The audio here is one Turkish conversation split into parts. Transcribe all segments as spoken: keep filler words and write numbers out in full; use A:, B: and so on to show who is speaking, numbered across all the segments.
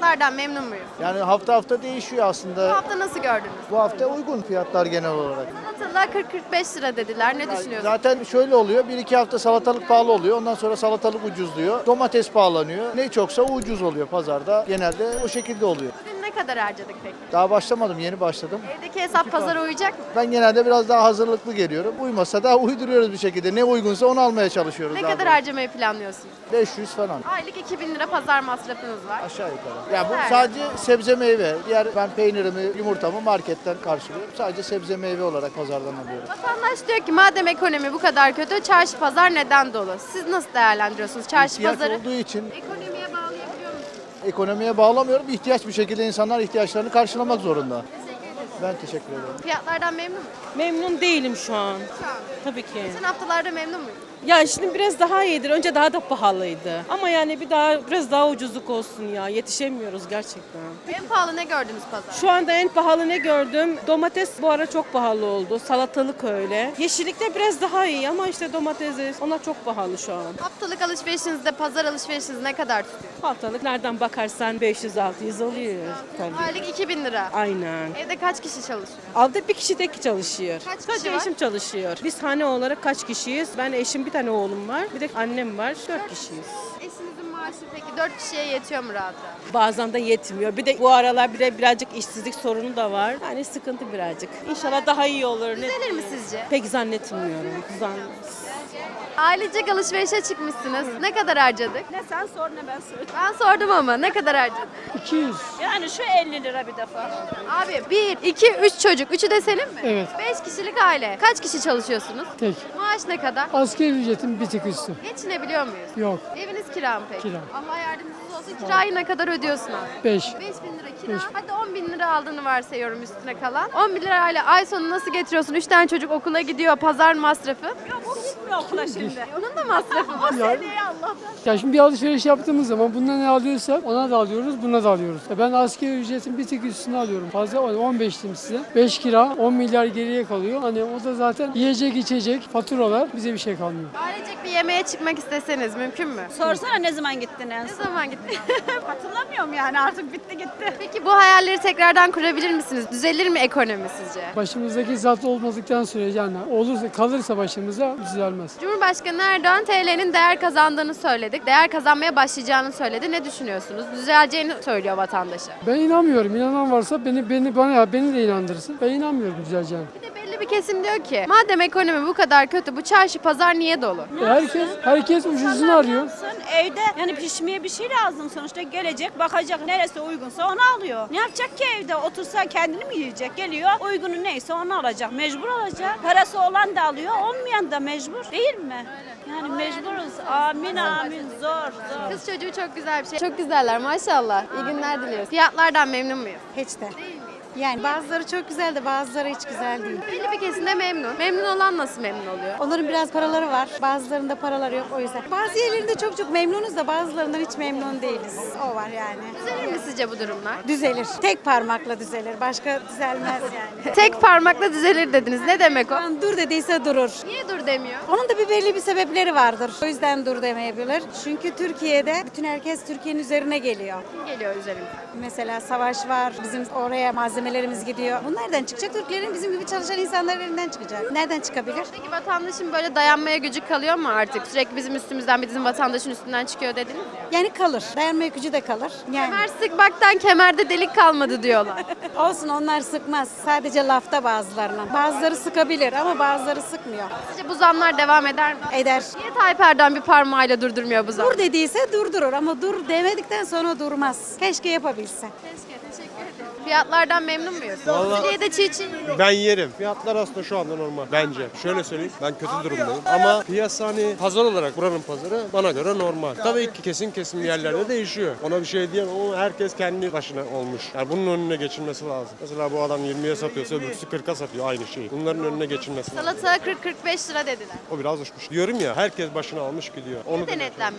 A: Fiyatlardan memnun muyuz?
B: Yani hafta hafta değişiyor
A: Bu
B: aslında.
A: hafta nasıl gördünüz?
B: Bu hafta uygun fiyatlar genel olarak.
A: Salatalığa kırk kırk beş lira dediler. Ne düşünüyorsunuz?
B: Zaten şöyle oluyor. Bir iki hafta salatalık pahalı oluyor. Ondan sonra salatalık ucuzluyor. Domates pahalanıyor. Ne çoksa o ucuz oluyor pazarda. Genelde o şekilde oluyor.
A: Bugün ne kadar harcadık peki?
B: Daha başlamadım. Yeni başladım.
A: Evdeki hesap pazara uyacak mı?
B: Ben genelde biraz daha hazırlıklı geliyorum. Uymasa da uyduruyoruz bir şekilde. Ne uygunsa onu almaya çalışıyoruz.
A: Ne
B: daha
A: kadar
B: doğrusu.
A: harcamayı planlıyorsunuz?
B: beş yüz falan.
A: Aylık iki bin lira pazar masrafınız var.
B: Aşağı yukarı. Ya bu
A: Evet.
B: sadece sebze meyve. Diğer ben peynirimi, yumurtamı marketten karşılıyorum. Sadece sebze meyve olarak pazardan alıyorum.
A: Vatandaş diyor ki madem ekonomi bu kadar kötü, çarşı pazar neden dolu? Siz nasıl değerlendiriyorsunuz çarşı
B: İhtiyaç
A: pazarı?
B: olduğu için
A: Ekonomiye bağlayabiliyor musunuz?
B: ekonomiye bağlamıyorum. İhtiyaç bir şekilde insanlar ihtiyaçlarını karşılamak zorunda. Ben teşekkür ederim.
A: Fiyatlardan memnun musunuz?
C: Memnun değilim şu an.
A: Şu an.
C: Tabii ki.
A: Geçen haftalarda memnun muyuz?
C: Ya şimdi biraz daha iyidir. Önce daha da pahalıydı. Ama yani bir daha biraz daha ucuzluk olsun ya. Yetişemiyoruz gerçekten.
A: En pahalı ne gördünüz pazar?
C: Şu anda en pahalı ne gördüm? Domates bu ara çok pahalı oldu. Salatalık öyle. Yeşillikte biraz daha iyi ama işte domatesi onlar çok pahalı şu an.
A: Haftalık alışverişinizde pazar alışverişiniz ne kadar tutuyor?
C: Haftalık nereden bakarsan beş yüz altı yüz oluyor tabii.
A: Aylık iki bin lira.
C: Aynen.
A: Evde kaç kişi çalışıyor?
C: Altta bir kişi tek çalışıyor.
A: Kaç kişi
C: Sadece
A: var?
C: eşim çalışıyor. Biz hane olarak kaç kişiyiz? Ben eşim bir tane oğlum var. Bir de annem var. Dört kişiyiz.
A: Eşinizin maaşı peki dört kişiye yetiyor mu rahat rahat?
C: Bazen de yetmiyor. Bir de bu aralar bir de birazcık işsizlik sorunu da var. Yani sıkıntı birazcık. İnşallah daha iyi olur. Ne
A: Düzelir mi
C: bileyim.
A: sizce?
C: Pek zannetmiyorum. Zan...
A: Ailecek alışverişe çıkmışsınız. Ne kadar harcadık?
D: Ne sen sor ne ben söyleyeyim.
A: Ben sordum ama ne kadar harcadık?
E: iki yüz.
D: Yani şu elli lira bir defa.
A: Abi bir, iki, üç çocuk. Üçü de senin mi?
E: Evet.
A: Beş kişilik aile. Kaç kişi çalışıyorsunuz?
E: Tek.
A: Maaş ne kadar?
E: Asgari ücretin bir tık üstü.
A: Geçinebiliyor muyuz?
E: Yok.
A: Eviniz kira mı peki?
E: Kira.
A: Allah yardımcınız olsun. Kirayı ne kadar ödüyorsun abi?
E: beş.
A: beş bin lira kira.
E: Beş.
A: Hadi on bin lira aldığını varsayıyorum üstüne kalan. on bin lirayla ay sonu nasıl getiriyorsun? Üç tane çocuk okula gidiyor. Pazar masrafı.
D: Yok o gitmiyor okula şimdi.
A: Onun da masrafı var.
D: Seneye Allah'tan.
E: Ya şimdi bir alışveriş yaptığımız zaman bundan ne alıyorsak ona da alıyoruz, buna da alıyoruz. Ya ben asgari ücretin bir tık üstüne alıyorum. Fazla on beş diyeyim size. beş kira, on milyar geriye kalıyor. Hani o da zaten yiyecek, içecek, faturalar bize bir şey kalmıyor.
A: Ailecek bir yemeğe çıkmak isteseniz mümkün mü?
D: Sorsana ne zaman gittin en
A: Ne
D: son?
A: zaman gittiniz?
D: Hatırlamıyorum yani artık bitti gitti.
A: Peki bu hayalleri tekrardan kurabilir misiniz? Düzelir mi ekonomi sizce?
E: Başımızdaki zat olmadıktan sürece yani olursa kalırsa başımıza düzelmez.
A: Cumhurbaşkanı Erdoğan T L'nin değer kazandığını söyledik. Değer kazanmaya başlayacağını söyledi. Ne düşünüyorsunuz? Düzeleceğini söylüyor vatandaşa.
E: Ben inanmıyorum. İnanan varsa beni beni bana beni de inandırsın. Ben inanmıyorum düzeleceğine.
A: Bir de belli bir kesim diyor ki madem ekonomi bu kadar kötü bu çarşı pazar niye dolu?
E: E herkes herkes ucuzunu arıyor.
D: Sen evde yani pişmeye bir şey lazım sonuçta gelecek bakacak neresi uygunsa onu alıyor. Ne yapacak ki evde otursa kendini mi yiyecek? Geliyor uygunu neyse onu alacak. Mecbur alacak. Parası olan da alıyor olmayan da mecbur değil mi? Yani mecburuz. Amin amin zor zor.
A: Kız çocuğu çok güzel bir şey. Çok güzeller maşallah. İyi günler diliyoruz. Fiyatlardan memnun muyuz?
F: Hiç de. Yani bazıları çok güzel de bazıları hiç güzel değil.
A: Belli bir kesimde memnun. Memnun olan nasıl memnun oluyor?
F: Onların biraz paraları var. Bazılarında paraları yok o yüzden. Bazı yerlerinde çok çok memnunuz da bazılarından hiç memnun değiliz. O var yani.
A: Düzelir mi sizce bu durumlar?
F: Düzelir. Tek parmakla düzelir. Başka düzelmez yani.
A: Tek parmakla düzelir dediniz. Ne demek o?
F: Lan dur dediyse durur.
A: Niye dur demiyor?
F: Onun da bir belli bir sebepleri vardır. O yüzden dur demeyebilir. Çünkü Türkiye'de bütün herkes Türkiye'nin üzerine geliyor.
A: Kim geliyor üzerimize?
F: Mesela savaş var. Bizim oraya malzemelerimiz gidiyor. Bu nereden çıkacak? Türklerin bizim gibi çalışan insanların elinden çıkacak. Nereden çıkabilir?
A: Peki vatandaşın böyle dayanmaya gücü kalıyor mu artık? Sürekli bizim üstümüzden bizim vatandaşın üstünden çıkıyor dediniz ya.
F: Yani kalır. Dayanma gücü de kalır. Yani
A: Kemer sıkmaktan kemerde delik kalmadı diyorlar.
F: olsun onlar sıkmaz. Sadece lafta bazılarına. Bazıları sıkabilir ama bazıları sıkmıyor.
A: Sizce bu zamlar devam eder mi?
F: Eder.
A: Niye Tayyip Erdoğan bir parmağıyla durdurmuyor bu zamları?
F: Dur dediyse durdurur ama dur demedikten sonra durmaz. Keşke yapabilse.
A: Keşke, teşekkür ederim. Fiyatlardan memnun muyuz?
G: Vallahi-
A: Fasulyede çiğ çiğ.
G: Ben yerim. Fiyatlar aslında şu anda normal bence. Şöyle söyleyeyim ben kötü durumdayım. Ama piyasa hani pazar olarak buranın pazarı bana göre normal. Tabii ki kesin kesim yerlerde değişiyor. Ona bir şey diyemem ama herkes kendi başına olmuş. Yani bunun önüne geçilmesi lazım. Mesela bu adam yirmiye satıyorsa öbürsü kırka satıyor aynı şeyi. Bunların önüne geçilmesi lazım.
A: Salata kırk kırk beş lira dediler.
G: O biraz uçmuş. Diyorum ya herkes başına almış gidiyor. Onu
A: Ne denetlenmiyor peki?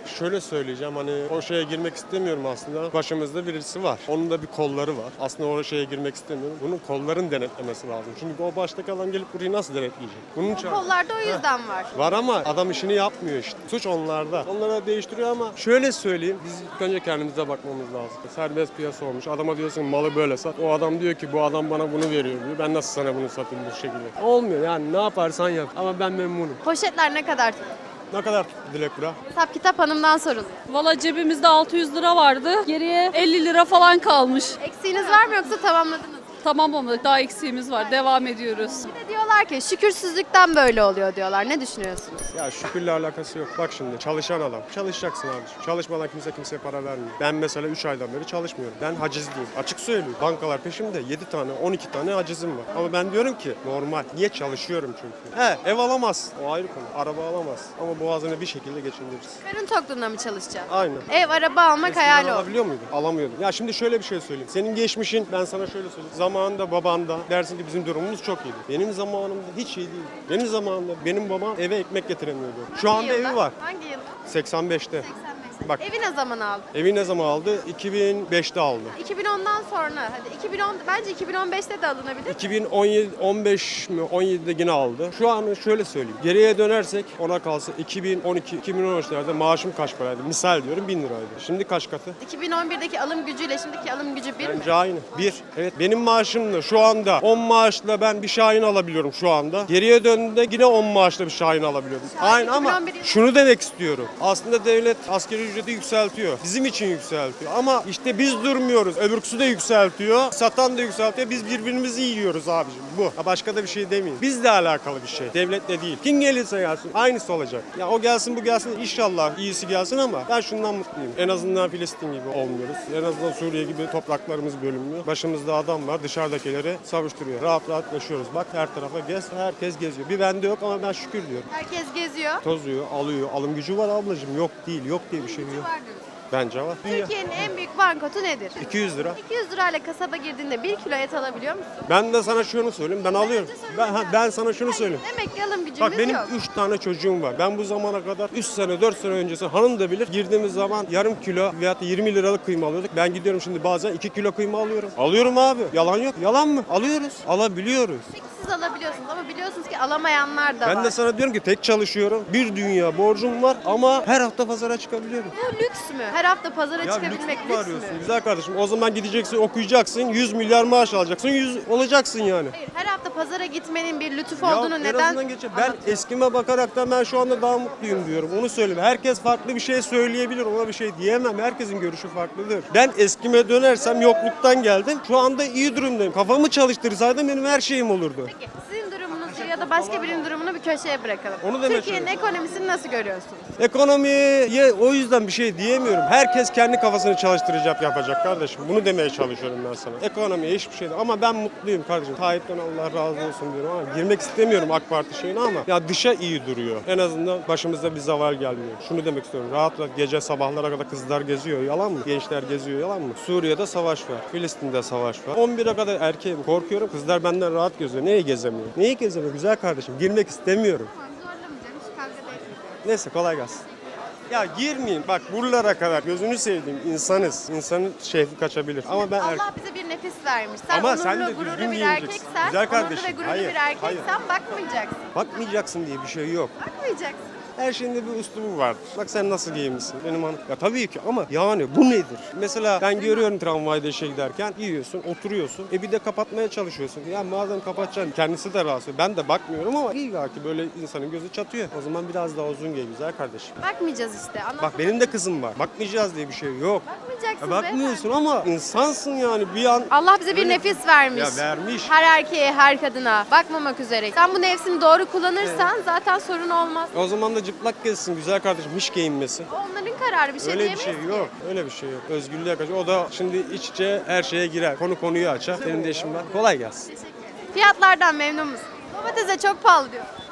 G: Şöyle söyleyeceğim, hani o şeye girmek istemiyorum aslında. Başımızda birisi var. Onun da bir kolları var. Aslında o şeye girmek istemiyorum. Bunun kolların denetlemesi lazım. Çünkü o baştaki adam gelip burayı nasıl denetleyecek? Bunun için...
A: Kollarda o yüzden var.
G: Var ama adam işini yapmıyor işte. Suç onlarda. Onlara değiştiriyor ama şöyle söyleyeyim. Biz ilk önce kendimize bakmamız lazım. Serbest piyasa olmuş. Adama diyorsun malı böyle sat. O adam diyor ki bu adam bana bunu veriyor diyor. Ben nasıl sana bunu satayım bu şekilde? Olmuyor yani, ne yaparsan yap. Ama ben memnunum.
A: Poşetler ne kadar tuttu?
G: Ne kadar tuttu Dilek bura?
A: Hesap kitap hanımdan sorulur.
H: Valla cebimizde altı yüz lira vardı. Geriye elli lira falan kalmış.
A: Eksiğiniz var mı yoksa tamamladınız mı?
H: Tamamlamadık. Daha eksiğimiz var. Devam ediyoruz.
A: Bir de diyorlar ki şükürsüzlükten böyle oluyor diyorlar. Ne düşünüyorsunuz?
G: Ya şükürle alakası yok. Bak şimdi çalışan adam. Çalışacaksın abi. Çalışmadan kimse kimseye para vermiyor. Ben mesela üç aydan beri çalışmıyorum. Ben hacizliyim. Açık söylüyorum. Bankalar peşimde yedi tane on iki tane hacizim var. Ama ben diyorum ki normal. Niye çalışıyorum çünkü? He, ev alamaz. O ayrı konu. Araba alamaz. Ama boğazını bir şekilde geçindiririz.
A: Karın tokluğunda mı çalışacaksın?
G: Aynen.
A: Ev, araba almak
G: Eskiden
A: hayal oldu.
G: alabiliyor muydun? Alamıyordun. Ya şimdi şöyle bir şey söyleyeyim. Senin geçmişin, ben sana şöyle söyleyeyim. Zamanında babanda dersin ki bizim durumumuz çok iyiydi. Benim zamanımda hiç iyi değil. Benim zamanımda benim babam eve ekmek getiremiyordu. Şu anda
A: Hangi yılda?
G: evi var.
A: Hangi yılda?
G: seksen beşte.
A: seksen beşte.
G: Bak.
A: Evi ne zaman aldın?
G: Evi ne zaman aldı? iki bin beşte aldı.
A: iki bin ondan sonra. Hadi iki bin on bence iki bin on beşte de alınabilir.
G: iki bin on yedi on beş mi on yedide yine aldı. Şu an şöyle söyleyeyim. Geriye dönersek ona kalsa iki bin on iki iki bin on üçlerde maaşım kaç paraydı? Misal diyorum bin liraydı. Şimdi kaç katı?
A: iki bin on birdeki alım gücüyle şimdiki alım gücü bir mi?
G: Bence aynı. Bir. Evet benim maaşımla şu anda on maaşla ben bir Şahin alabiliyorum şu anda. Geriye döndüğümde yine on maaşla bir Şahin alabiliyorum.
A: Şahin
G: Aynı ama
A: iki bin on bir yılı-
G: şunu demek istiyorum. Aslında devlet asgari ücreti yükseltiyor. Bizim için yükseltiyor. Ama işte biz durmuyoruz. Öbürküsü de yükseltiyor. Satan da yükseltiyor. Biz birbirimizi yiyoruz abicim. Bu. Ha, başka da bir şey demeyeyim. Bizle alakalı bir şey. Devletle değil. Kim gelirse gelsin. Aynısı olacak. Ya o gelsin bu gelsin. İnşallah iyisi gelsin ama ben şundan mutluyum. En azından Filistin gibi olmuyoruz. En azından Suriye gibi topraklarımız bölünmüyor. Başımızda adam var. Dışarıdakileri savuşturuyor. Rahat rahat yaşıyoruz. Bak her tarafa gez. Herkes geziyor. Bir bende yok ama ben şükür diyorum.
A: Herkes geziyor.
G: Tozuyor, alıyor. Alım gücü var ablacığım. Yok değil. Yok diye bir şey yok.
A: Var diyorsun.
G: Bence var.
A: Türkiye'nin en büyük bankotu nedir?
G: iki yüz lira.
A: iki yüz lirayla kasaba girdiğinde bir kilo et alabiliyor musun?
G: Ben de sana şunu söyleyeyim. Ben alıyorum. Ben, ha, ben sana şunu söyleyeyim.
A: Demek ki alım gücümüz
G: Bak benim
A: yok.
G: üç tane çocuğum var. Ben bu zamana kadar üç sene dört sene öncesi hanım da bilir. Girdiğimiz zaman yarım kilo veya yirmi liralık kıyma alıyorduk. Ben gidiyorum şimdi bazen iki kilo kıyma alıyorum. Alıyorum abi. Yalan yok. Yalan mı? Alıyoruz. Alabiliyoruz.
A: Peki siz alabiliyorsunuz ama biliyorsunuz ki alamayanlar da
G: Ben
A: var.
G: de sana diyorum ki tek çalışıyorum. Bir dünya borcum var ama her hafta pazara çıkabiliyorum.
A: Bu lüks mü? Her hafta pazara
G: Ya
A: çıkabilmek
G: lüks mü
A: lüks
G: arıyorsun?
A: mü?
G: Güzel kardeşim. O zaman gideceksin, okuyacaksın. yüz milyar maaş alacaksın. yüz olacaksın yani.
A: Hayır, her hafta pazara gitmenin bir lütuf
G: Ya
A: olduğunu
G: en
A: neden
G: azından geçe- Ben
A: anlatıyorsun?
G: eskime bakaraktan ben şu anda daha mutluyum diyorum. Onu söyleyeyim. Herkes farklı bir şey söyleyebilir. Ona bir şey diyemem. Herkesin görüşü farklıdır. Ben eskime dönersem yokluktan geldim. Şu anda iyi durumdayım. Kafamı çalıştırsaydım benim her şeyim olurdu.
A: Peki sizin durumunuzu ya da başka birinin durumunu bir köşeye bırakalım.
G: Onu demeye
A: Türkiye'nin ekonomisini nasıl görüyorsunuz?
G: Ekonomiye o yüzden bir şey diyemiyorum. Herkes kendi kafasını çalıştıracak yapacak kardeşim. Bunu demeye çalışıyorum ben sana. Ekonomiye hiçbir şey değil. Ama ben mutluyum kardeşim. Tayyip'ten Allah razı olsun diyorum ama girmek istemiyorum AK Parti şeyine ama ya dışa iyi duruyor. En azından başımızda bir zaval gelmiyor. Şunu demek istiyorum. Rahat rahat gece sabahlara kadar kızlar geziyor. Yalan mı? Gençler geziyor. Yalan mı? Suriye'de savaş var. Filistin'de savaş var. on bire kadar erkeğim. Korkuyorum. Kızlar benden rahat geziyor. Neyi gezemiyor? Neyi gezemiyor? Güzel kardeşim. Girmek istemiyorum.
A: Zorlamayacağım, hiç kavga da etmeyeceğim.
G: Neyse kolay gelsin. Ya girmeyin bak buralara kadar gözünü sevdiğim insanız. İnsanın şehri kaçabilir ama ben erkek.
A: Allah bize bir nefis vermiş. Sen
G: Ama
A: onurlu,
G: sen de
A: gururlu
G: düzgün
A: bir
G: giyineceksin.
A: erkeksen,
G: Güzel
A: onurlu
G: kardeşim,
A: ve gururlu
G: hayır,
A: bir erkeksen
G: hayır.
A: bakmayacaksın.
G: Bakmayacaksın diye bir şey yok.
A: Bakmayacaksın.
G: Her şeyin de bir üslubu vardır. Bak sen nasıl giyinmişsin benim hanım. Ya tabii ki ama yani bu nedir? Mesela ben görüyorum tramvayda işe giderken yiyorsun, oturuyorsun. E bir de kapatmaya çalışıyorsun. Ya madem kapatacaksın kendisi de rahatsız. Ben de bakmıyorum ama illa ki böyle insanın gözü çatıyor. O zaman biraz daha uzun giy güzel kardeşim.
A: Bakmayacağız işte. Anlatmak
G: Bak benim de kızım var. Bakmayacağız diye bir şey yok.
A: Bakmayacaksın
G: Ya bakmıyorsun ama insansın yani bir an.
A: Allah bize bir
G: Öyle-
A: nefis vermiş.
G: Ya vermiş.
A: Her erkeğe, her kadına bakmamak üzere. Sen bu nefsini doğru kullanırsan zaten sorun olmaz.
G: O zaman da cıplak gezsin güzel kardeşim. Hiç giyinmesin.
A: Onların kararı, bir şey
G: Öyle bir
A: diyemeyiz
G: şey
A: ki.
G: yok. Öyle bir şey yok. Özgürlüğe kaçıyor. O da şimdi iç içe her şeye girer. Konu konuyu açar. Benim de işim var. Kolay gelsin.
A: Teşekkür ederim. Fiyatlardan memnun musun? Domatese çok pahalı diyor.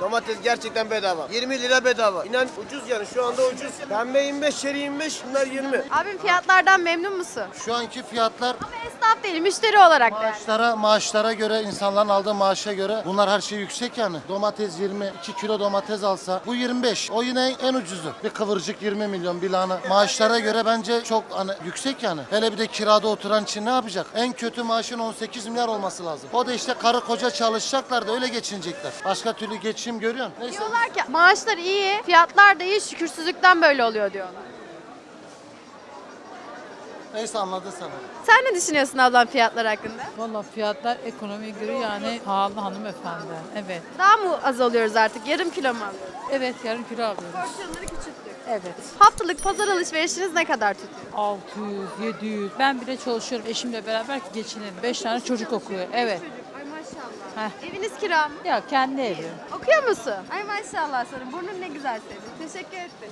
I: Domates gerçekten bedava. yirmi lira bedava. İnan ucuz yani şu anda ucuz. Pembe yirmi beş, çeri yirmi beş, bunlar yirmi.
A: Abim fiyatlardan memnun musun?
J: Şu anki fiyatlar
A: Ama esnaf değil, müşteri olarak da.
J: maaşlara maaşlara göre, insanların aldığı maaşa göre bunlar her şey yüksek yani. Domates yirmi, iki kilo domates alsa bu yirmi beş. O yine en ucuzu. Bir kıvırcık yirmi milyon, bir lahana. Maaşlara göre bence çok hani yüksek yani. Hele bir de kirada oturan için ne yapacak? En kötü maaşın on sekiz milyar olması lazım. O da işte karı koca çalışacaklar da öyle geçinecekler. Başka türlü geçim görüyorsun. Neyse.
A: Diyorlar ki maaşlar iyi, fiyatlar da iyi, şükürsüzlükten böyle oluyor diyorlar.
J: Neyse anladın sen.
A: Sen ne düşünüyorsun ablam fiyatlar hakkında?
K: Valla fiyatlar ekonomiye göre yani pahalı hanımefendi. Evet.
A: Daha mı az alıyoruz artık? Yarım kilo mu alıyoruz?
K: Evet yarım kilo alıyoruz.
A: Porsiyonları küçülttük.
K: Evet.
A: Haftalık pazar alışverişiniz ne kadar tutuyor?
K: altı yüz, yedi yüz. Ben bile çalışıyorum eşimle beraber ki geçinelim. beş tane çocuk okuyor. Evet.
A: Ay maşallah.
K: Heh.
A: Eviniz kira mı?
K: Ya kendi evi.
A: Okuyor musun? Ay maşallah sana. Burnun ne güzel senin. Teşekkür ettim.